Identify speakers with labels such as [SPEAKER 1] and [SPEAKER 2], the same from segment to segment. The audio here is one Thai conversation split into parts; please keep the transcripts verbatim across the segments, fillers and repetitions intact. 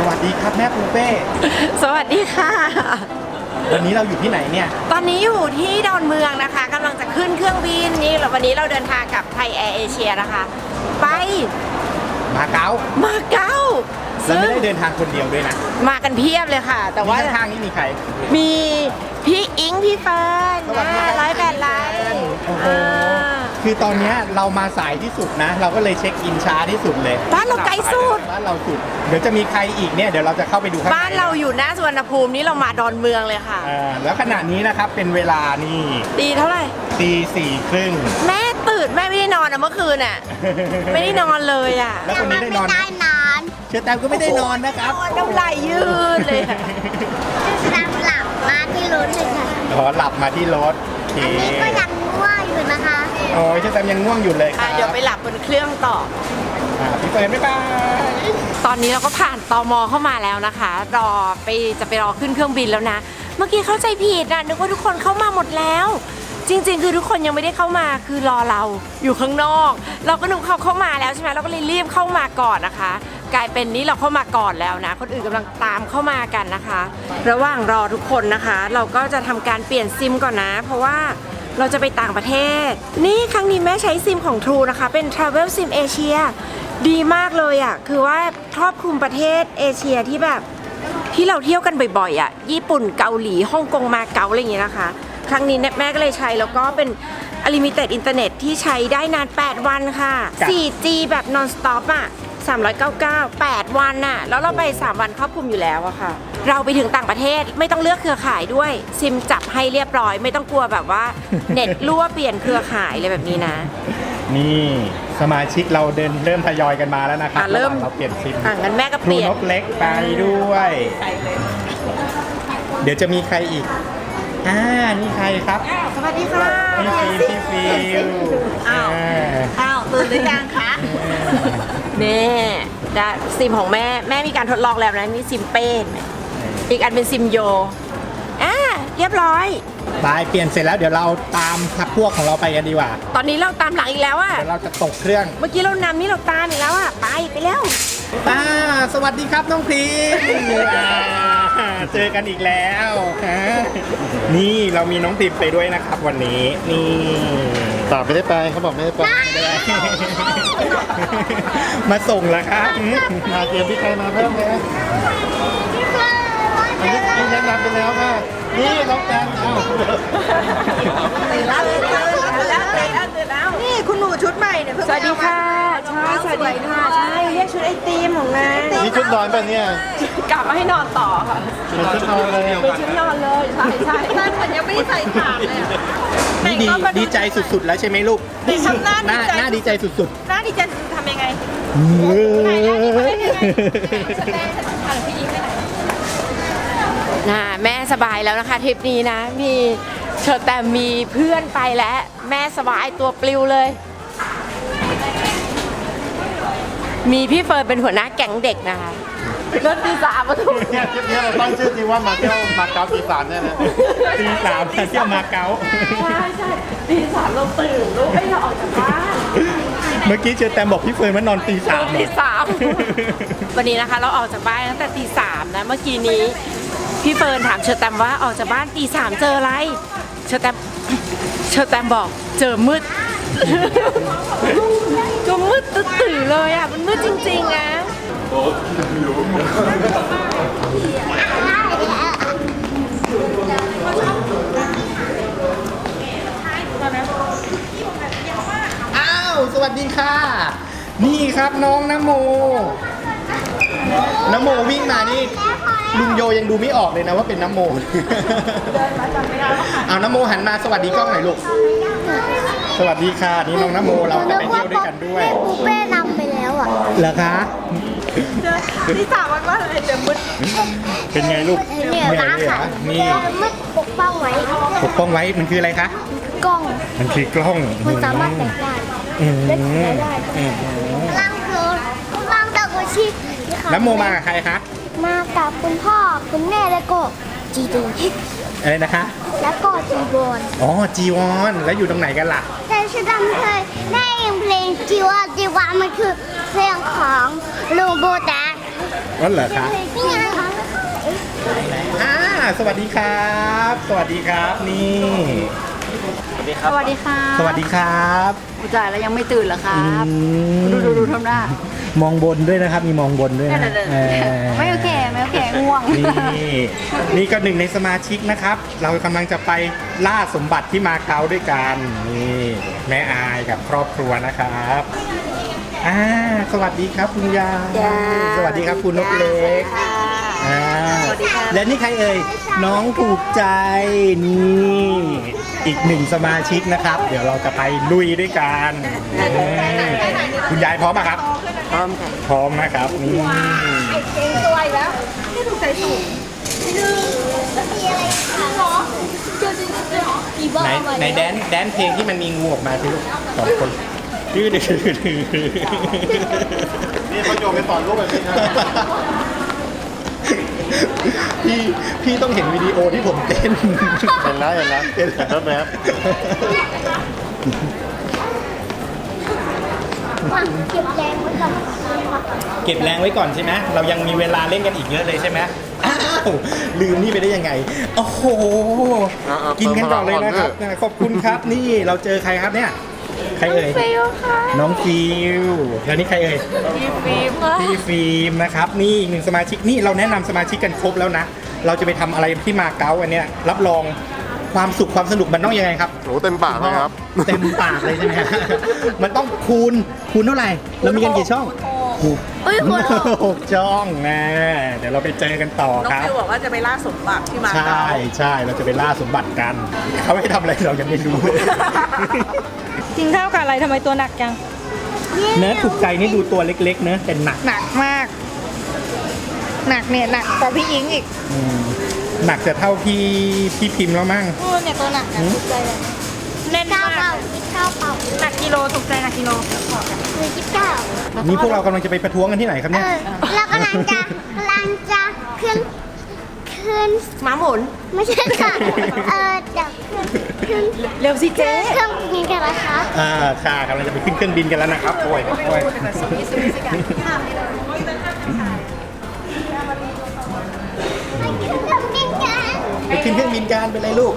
[SPEAKER 1] วัสดีครับแม่ปูเป้
[SPEAKER 2] สวัสดีค่ะ
[SPEAKER 1] วันนี้เราอยู่ที่ไหนเนี่ย
[SPEAKER 2] ตอนนี้อยู่ที่ดอนเมืองนะคะกำลังจะขึ้นเครื่องบินนี่วันนี้เราเดินทางกับไทยแอร์เอเชียนะคะ ไป
[SPEAKER 1] มาเก๊า
[SPEAKER 2] มาเก๊า
[SPEAKER 1] แล้ว
[SPEAKER 2] ซึ่ง
[SPEAKER 1] ไม่ได้เดินทางคนเดียวด้วยนะ
[SPEAKER 2] มากันเพียบเลยค่ะ แต่ว่า
[SPEAKER 1] ข้างๆนี่มีใคร
[SPEAKER 2] มีพี่อิงพี่เฟิร์น
[SPEAKER 1] สวัสดี
[SPEAKER 2] ร้อยแปดไลน์
[SPEAKER 1] โอ้โหคือตอนเนี้ยเรามาสายที่สุดนะ เราก็เลยเช็คอินช้าที่สุดเลย
[SPEAKER 2] บ้านเราไกลสุด
[SPEAKER 1] บ้านเราสุดเดี๋ยวจะมีใครอีกเนี่ยเดี๋ยวเราจะเข้าไปดูข้างใน
[SPEAKER 2] บ้านเราอยู่หน้าสุวรรณภูมินี่เรามาดอนเมืองเลยค่ะ
[SPEAKER 1] อ่าแล้วขณะนี้นะครับเป็นเวลานี่
[SPEAKER 2] ดีเท่าไหร่
[SPEAKER 1] ตีสี่ครึ่ง
[SPEAKER 2] แม่ตื่นแม่ไม่ได้นอนอะเมื่อคืนอะไม่ได้นอนเลยอะ
[SPEAKER 1] แล้วคนนี้ได้นอนไหม
[SPEAKER 3] ได้นอน
[SPEAKER 1] เชอร์แตมก็ไม่ได้นอนนะครับ
[SPEAKER 2] นอนน้ำไหลยืดเลยอะ
[SPEAKER 3] ตามหลับมาที่รถเลยค่ะ
[SPEAKER 1] ขอหลับมาที่รถโอเค
[SPEAKER 3] อันนี้ก็ยังง่วงอยู่นะคะ
[SPEAKER 1] โอ้ยเชอร์แตมยังง่วงอยู่เลยค
[SPEAKER 2] อ่ะ
[SPEAKER 1] รับ
[SPEAKER 2] เดี๋ยวไปหลับบนเครื่องต่อ
[SPEAKER 1] อ่าพี่เฟิร์นบ๊ายบาย
[SPEAKER 2] ตอนนี้เราก็ผ่านตมเข้ามาแล้วนะคะ รอไปจะไปรอขึ้นเครื่องบินแล้วนะ เมื่อกี้เข้าใจผิดนะนึกว่าทุกคนเข้ามาหมดแล้ว จริงๆ คือทุกคนยังไม่ได้เข้ามาคือรอเราอยู่ข้างนอก เราก็นึกเขาเข้ามาแล้วใช่ไหมเราก็เลยรีบเข้ามาก่อนนะคะ กลายเป็นนี้เราเข้ามาก่อนแล้วนะ คนอื่นกำลังตามเข้ามากันนะคะ ระหว่างรอทุกคนนะคะ เราก็จะทำการเปลี่ยนซิมก่อนนะ เพราะว่าเราจะไปต่างประเทศ นี่ครั้งนี้แม่ใช้ซิมของ True นะคะเป็น Travel Sim Asia ดีมากเลยอ่ะคือว่าครอบคลุมประเทศเอเชียที่แบบที่เราเที่ยวกันบ่อยๆอ่ะญี่ปุ่นเกาหลีฮ่องกงมาเก๊าอะไรอย่างเงี้ยนะคะ ครั้งนี้แม่ก็เลยใช้แล้วก็เป็น Unlimited Internet ที่ใช้ได้นานแปดวันค่ะ โฟร์จี แบบ non stop อ่ะสามร้อยเก้าสิบเก้า แปดวันน่ะแล้วเราไปสามวันครอบคลุมอยู่แล้วอะค่ะ เราไปถึงต่างประเทศไม่ต้องเลือกเครือข่ายด้วยซิมจับให้เรียบร้อย ไม่ต้องกลัวแบบว่า เน็ตรั่วเปลี่ยนเครือข่ายอะไรแบบนี้นะ
[SPEAKER 1] นี่สมาชิกเราเดินเริ่มทยอยกันมาแล้วนะครับ
[SPEAKER 2] อ่ะเริ่ม
[SPEAKER 1] ะหว่างเราเปลี่ยนซิม
[SPEAKER 2] อ่ะงั้นแม่ก็
[SPEAKER 1] ค
[SPEAKER 2] เป
[SPEAKER 1] รู
[SPEAKER 2] ลี่ยน
[SPEAKER 1] นกเล็กไปด้วย เดี๋ยวจะมีใครอีกอ่านี่ใครครับ
[SPEAKER 2] สวัสดีค่ะ
[SPEAKER 1] พี่ฟิล์มพี่ฟิล
[SPEAKER 2] อ้าว อ้าวตื่นหรือยังคะแม่ได้ซิมของแม่แม่มีการทดลองแล้วนะนี่ซิมเป้นอีกอันเป็นซิมโยอ่าเรียบร้อย
[SPEAKER 1] ไปเปลี่ยนเสร็จแล้วเดี๋ยวเราตามพักพวกของเราไปกันดีกว่า
[SPEAKER 2] ตอนนี้เราตามหลังอีกแล้วอะ
[SPEAKER 1] เดี๋ยวเราจะตกเครื่อง
[SPEAKER 2] เมื่อกี้เรานำนี่เราตามอีกแล้วอะไปไปแล้ว
[SPEAKER 1] ป้าสวัสดีครับน้องพรีมอ่าเจอกันอีกแล้วฮะนี่เรามีน้องพรีมไปด้วยนะครับ วันนี้นี่
[SPEAKER 4] ต่อไม่ได้ไปเขาบอกไม่ได้ไป
[SPEAKER 1] มาส่งแล้วครับ
[SPEAKER 4] มาเตรียมพี่ใครมาเพิ่มเลยอันนี้นี่แนะนำไปแล้วค่ะนี่น้องแตงเอ้า
[SPEAKER 2] ตื่นแล้วตื่นแล้วตื่นแล้วตื่นแล้วนี่คุณหนูชุดใหม่เนี่ยสวัสดีค่ะใช่สวัสดีค่ะใช่เรียกชุดไอติมของนาย
[SPEAKER 4] นี่ชุดนอนป่ะเนี่ย
[SPEAKER 2] กลับมาให้นอนต่อค่ะ
[SPEAKER 4] เป็นชุดนอนเลย
[SPEAKER 2] เป็นชุดนอนเลยใช่ใช่บ้านฉันยังไม่ได้ใส่ขาดเลย
[SPEAKER 1] นี่ดีดีใจสุดๆแล้วใช่ไหมลูก
[SPEAKER 2] ทำหน้า
[SPEAKER 1] หน้า
[SPEAKER 2] ดีใจ
[SPEAKER 1] หน้าดีใจสุด
[SPEAKER 2] หน้าดีใจทำยังไง
[SPEAKER 1] ๆ
[SPEAKER 2] น่ะแม่สบายแล้วนะคะทริปนี้นะ มีเชอแต่มีเพื่อนไปแล้ว แม่สบายตัวปลิวเลย มีพี่เฟิร์นเป็นหัวหน้าแก๊งเด็กนะคะรถตีสามมาถูก
[SPEAKER 4] เนี่ยทริปนี้เราตั้งชื่อจริงว่ามาเที่ยวมาเก๊าปีสามเนี่ยนะ
[SPEAKER 1] ตีสามเที่ยวมาเก๊า
[SPEAKER 2] ใช่ใช่ตีสามเราตื่นลูกไม่เราออกจากบ้าน
[SPEAKER 1] เมื่อกี้เจอแตมบอกพี่เฟิร์นว่านอนตีสาม
[SPEAKER 2] ตีสามวันนี้นะคะเราออกจากบ้านตั้งแต่ตีสามนะเมื่อกี้นี้พี่เฟิร์นถามเชอร์แตมว่าออกจากบ้านตีสามเจออะไรเชอร์แตมเชอร์แตมบอกเจอมืดก็มืดตื่นเลยอ่ะมันมืดจริงๆนะ
[SPEAKER 1] อ้าวสวัสดีค่ะ นี่ครับน้องนโมนโมวิ่งมานี่ลุงโยยังดูไม่ออกเลยนะว่าเป็นนโมเอานโมหันมาสวัสดีกล้องหน่อยลูกสวัสดีค่ะนี่น้องนโมเราจะไปเที่ยวด้วยกันด้วย
[SPEAKER 3] แม่ปูเป้นำไปแล้วอ่ะ
[SPEAKER 1] เหรอคะ
[SPEAKER 2] ตีสามวันว่าอะไรเจอมืด
[SPEAKER 1] เป็นไงลูก
[SPEAKER 3] เนี่ย
[SPEAKER 1] เหนื่อย
[SPEAKER 3] ร้าน
[SPEAKER 1] เลยเหร
[SPEAKER 3] ค่ะ
[SPEAKER 1] อนี่
[SPEAKER 3] มืดปกป้องไว้
[SPEAKER 1] ปกป้องไว้มันคืออะไรคะ
[SPEAKER 3] กล้อง
[SPEAKER 1] มันคือกล้อง
[SPEAKER 3] มันสามารถแตกได้
[SPEAKER 1] อืม
[SPEAKER 3] เล็กได้ได้
[SPEAKER 1] อืม
[SPEAKER 3] ล่างคือล่างตะกุชิ
[SPEAKER 1] แล้วโมมากับใครคะ
[SPEAKER 3] มากับคุณพ่อคุณแม่แล้วก็จีดู
[SPEAKER 1] อะไรนะคะ
[SPEAKER 3] แล้วก็จีบอน
[SPEAKER 1] อ๋อจีวอนแล้วอยู่ตรงไหนกันล่ะ
[SPEAKER 3] แต่ฉันจำเคยได้ยินเพลงจีวอนจีวอนมันคือเพลงของลุงโบแดก
[SPEAKER 1] นั่นเหรอคะ
[SPEAKER 3] นี่ไง
[SPEAKER 1] อ่าสวัสดีครับ สวัสดีครับนี่
[SPEAKER 5] สวัสดีค่ะ
[SPEAKER 1] สวัสดีครับ
[SPEAKER 5] ผู้จ่ายแล้วยังไม่ตื่นเหรอครับ
[SPEAKER 1] อืม
[SPEAKER 5] ดูดูดูทำหน้าม
[SPEAKER 1] องบนด้วยนะครับ มีมองบนด้วยนะเออ
[SPEAKER 5] ไม่โอเคไม่โอเคง่วง
[SPEAKER 1] นี่นี่ก็หนึ่งในสมาชิกนะครับ เรากำลังจะไปล่าสมบัติที่มาเก๊าด้วยกันนี่แม่อายกับครอบครัวนะครับอ่าสวัสดีครับคุณยาย
[SPEAKER 5] จ้า
[SPEAKER 1] สวัสดีครับคุณนกเล็กอ่าและนี่ใครเอ่ยน้องถูกใจนี่อีกหนึ่งสมาชิกนะครับ เดี๋ยวเราจะไปลุยด้วยกันนี่คุณยายพร้อมไหมครับ
[SPEAKER 5] พร้อมค่ะ
[SPEAKER 1] พร้อมนะครับนี่ ไหนไหนแดนแดนเพลงที่มันมีงูออกมาสิลูกสองคนดื้อดื้อดื้อ
[SPEAKER 4] นี่เขาโยนไปสอนลูกแบบนี้นะ
[SPEAKER 1] พี่พี่ต้องเห็นวิดีโอที่ผมเต้น
[SPEAKER 4] เห็นแล้วเห็นแล้วเห็นแล้วแบบ
[SPEAKER 3] ว่าเก็บแรงไว้ก่อนนะคะ
[SPEAKER 1] เก็บแรงไว้ก่อนใช่ไหมเรายังมีเวลาเล่นกันอีกเยอะเลยใช่ไหมอ้าวลืมนี่ไปได้ยังไงโอ้โหกินกันก่อนเลยนะครับขอบคุณครับนี่เราเจอใครครับเนี่ยใครเอ่ย
[SPEAKER 2] ฟิลค่ะ
[SPEAKER 1] น้องฟิวแล้วนี่ใครเอ่ย
[SPEAKER 2] พี่ฟิล์มค่ะ
[SPEAKER 1] พี่ฟิล์มนะครับนี่อีกหนึ่งสมาชิกนี่เราแนะนำสมาชิกกันครบแล้วนะ เราจะไปทำอะไรที่มาเก๊าอันเนี้ยรับรองความสุขความสนุกมันต้องยังไงครับ
[SPEAKER 4] โหเต็มปากเลยครับ
[SPEAKER 1] เต็มปากเลยใช่ไหมฮะ มันต้องคูณคูณเท่าไหร่เรามีกันกี่ช่องหก
[SPEAKER 2] เฮ้ยคุณ
[SPEAKER 1] หกช่องนะเดี๋ยวเราไปเจอกันต่อ
[SPEAKER 6] น้อง
[SPEAKER 1] ครับ
[SPEAKER 6] ฟิวบอกว่าจะไปล่าสมบัติที่มา
[SPEAKER 1] ใช่
[SPEAKER 6] เก๊า
[SPEAKER 1] ใช่เราจะไปล่าสมบัติกัน เขาให้ทำอะไรเรายังไม่รู้เลย
[SPEAKER 7] กินข้าวกับอะไรทำไมตัวหนักจัง
[SPEAKER 1] เนื้อถูกใจนี่ดูตัวเล็กๆเนื้อะแต่หนัก
[SPEAKER 7] หนักมาก หนักเนี่ยหนักกว่าพี่อิงอีก
[SPEAKER 1] อืมหนักจะเท่าพี่พี่พิมพ์แล้วมั้ง
[SPEAKER 7] โอ้เนี่ยตัวหนักนะถูกใจเลยแน่น
[SPEAKER 3] ข้าว
[SPEAKER 7] มา
[SPEAKER 3] เปล่าก กินข้าวเปล่า
[SPEAKER 7] หนักกิโลถูกใจหนักกิโล
[SPEAKER 3] หรือกินข้าว
[SPEAKER 1] นี่พวกเรากำลังจะไปประท้วงกันที่ไหนครับ
[SPEAKER 3] เอ
[SPEAKER 1] เนี่ย
[SPEAKER 3] อเรากำลังจะกำลังจะขึ้นขึ้น
[SPEAKER 2] ม้าหมุน
[SPEAKER 3] ไม่ใช่ค่ะเออจะขึ้นขึ้น
[SPEAKER 2] เร็วสิเจ๊
[SPEAKER 3] เครื่องบินกันนะคะ
[SPEAKER 1] อ่าค่ะกำลังจะไปขึ้นเครื่องบินกันแล้วนะครับโอ้ยโอ้ย
[SPEAKER 3] ไปขึ้นเครื่องบินกัน
[SPEAKER 1] ไปขึ้นเครื่องบินกันไปเลยลูก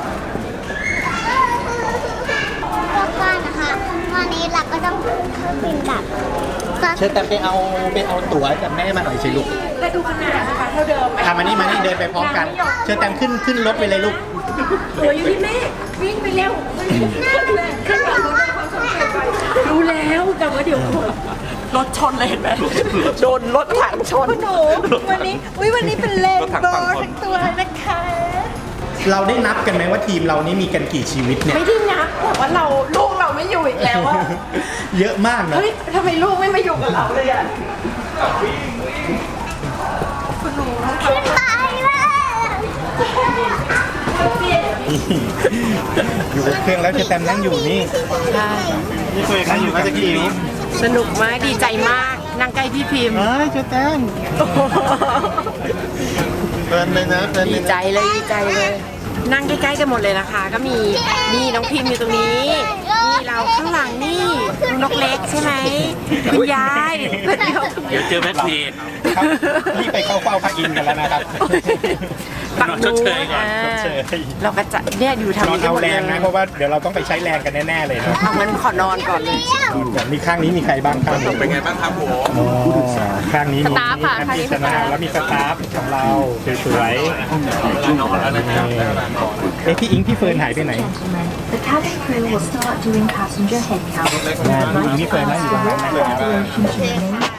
[SPEAKER 3] แล้วก็นะคะวันนี้เราก็ต้องขึ้นเครื่องบินแบบก็
[SPEAKER 1] เชิญแต่ไปเอาไปเอาตั๋วจากแม่มาหน่อยสิลูก
[SPEAKER 2] แต่ดูขนาดนะคะเท่าเดิมไหม
[SPEAKER 1] ทำมานี่มานี่เดินไปพร้อมกัน เชิญแต่ขึ้นขึ้นรถไปเลยลูก
[SPEAKER 2] ตัวอยู่ที่แม่วิ่งไปเร็วขึ้นมารู้แล้วแต่ว่าเดี๋ยว
[SPEAKER 6] รถชนเลยเห็นไหมโดนรถถังชน
[SPEAKER 7] หนูวันนี้อุ้ยวันนี้เป็นเลนโบว์ทั้งตัวเลยนะคะ
[SPEAKER 1] เราได้นับกันไหมว่าทีมเรานี่มีกันกี่ชีวิตเนี่ย
[SPEAKER 2] ไม่ได้นับแต่ว่าเราลูกเราไม่อยู่อีกแล้วอะ
[SPEAKER 1] เยอะมากนะ
[SPEAKER 2] เฮ้ยทำไมลูกไม่มาอยู่กับเราเลยอะ
[SPEAKER 3] ขึ้นไปเลย
[SPEAKER 1] อยู่บนเครื่องแล้วเชิญแต่นั่งอยู่นี่
[SPEAKER 2] ใช่
[SPEAKER 4] นี่เคยใครอยู่น่าจะกี่นิ้ว
[SPEAKER 2] สนุกมากดีใจมากนั่งใกล้พี่พิมพ์
[SPEAKER 1] เฮ้ยเชิญแต่ง
[SPEAKER 4] เพลินเลยนะเพลินเล
[SPEAKER 2] ดี
[SPEAKER 4] ย
[SPEAKER 2] ใจ
[SPEAKER 4] นะ
[SPEAKER 2] เลยดีใจเลย นั่งใกล้ๆกันหมดเลยนะคะ ก็มีนี่น้องพิมพ์อยู่ตรงนี้นี่เราข้างหลังนี่นกเล็กใช่ไหมคุณยายเดี๋ยว
[SPEAKER 8] เดี๋ยวเจอแม็กพี
[SPEAKER 1] ครับรีบไปเข้าเฝ้าพระอินทร์กันแล้วนะครับ
[SPEAKER 2] ปัก
[SPEAKER 8] ช
[SPEAKER 2] นู
[SPEAKER 8] ดเชยก่อน
[SPEAKER 2] อ่า
[SPEAKER 1] ชดเชย
[SPEAKER 2] เราก็จะเนี่ยอยู่ทาง
[SPEAKER 1] นอน
[SPEAKER 2] นี้กัน
[SPEAKER 1] เอา
[SPEAKER 2] หมด
[SPEAKER 1] แร
[SPEAKER 2] เลย
[SPEAKER 1] งนะเพราะว่าเดี๋ยวเราต้องไปใช้แรงกันแน่ๆเลยเนาะ
[SPEAKER 2] เอางั้นขอนอนก่อนเลย
[SPEAKER 1] มีข้างนี้มีใครบ้างข้างนี้
[SPEAKER 8] เป็นไงบ้างครับผม
[SPEAKER 1] อ๋อข้างนี้มี
[SPEAKER 2] สตาฟค่ะ
[SPEAKER 1] แอม
[SPEAKER 2] ข้างนี้
[SPEAKER 1] พิชนาแล้วมีสตาฟของเราสวยๆ
[SPEAKER 8] นอนแล้วนะครับ
[SPEAKER 1] เอ๊ะพี่อิงพี่เฟิร์นหายไปไหน
[SPEAKER 9] The cabin crew will start doing passenger head count.
[SPEAKER 1] งานพี่อิงพี่เฟิร์นนั่งอยู่ตรงนั้นนะ
[SPEAKER 9] Destination to remain